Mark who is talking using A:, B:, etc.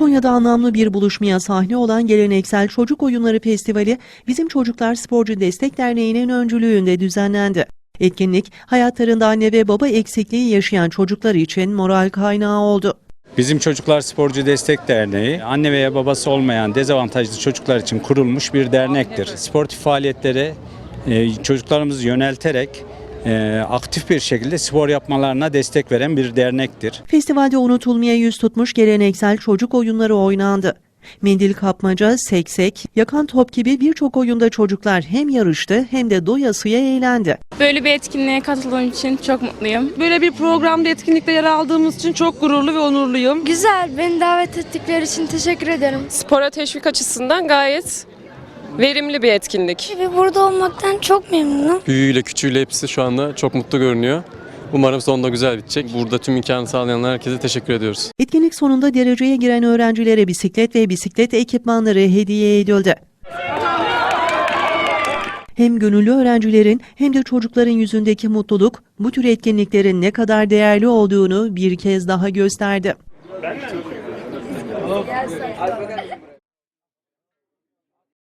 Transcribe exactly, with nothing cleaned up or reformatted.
A: Konya'da anlamlı bir buluşmaya sahne olan Geleneksel Çocuk Oyunları Festivali, Bizim Çocuklar Sporcu Destek Derneği'nin öncülüğünde düzenlendi. Etkinlik, hayatlarında anne ve baba eksikliği yaşayan çocuklar için moral kaynağı oldu.
B: Bizim Çocuklar Sporcu Destek Derneği, anne veya babası olmayan dezavantajlı çocuklar için kurulmuş bir dernektir. Sportif faaliyetlere e, çocuklarımızı yönelterek e, aktif bir şekilde spor yapmalarına destek veren bir dernektir.
A: Festivalde unutulmaya yüz tutmuş geleneksel çocuk oyunları oynandı. Mendil kapmaca, seksek, yakan top gibi birçok oyunda çocuklar hem yarıştı hem de doyasıya eğlendi.
C: Böyle bir etkinliğe katıldığım için çok mutluyum.
D: Böyle bir programda, etkinlikte yer aldığımız için çok gururlu ve onurluyum.
E: Güzel, beni davet ettikleri için teşekkür ederim.
F: Spora teşvik açısından gayet verimli bir etkinlik.
E: Ve burada olmaktan çok memnunum.
G: Büyüğüyle küçüğüyle hepsi şu anda çok mutlu görünüyor. Umarım sonunda güzel bitecek. Burada tüm imkanı sağlayan herkese teşekkür ediyoruz.
A: Etkinlik sonunda dereceye giren öğrencilere bisiklet ve bisiklet ekipmanları hediye edildi. Hem gönüllü öğrencilerin hem de çocukların yüzündeki mutluluk bu tür etkinliklerin ne kadar değerli olduğunu bir kez daha gösterdi.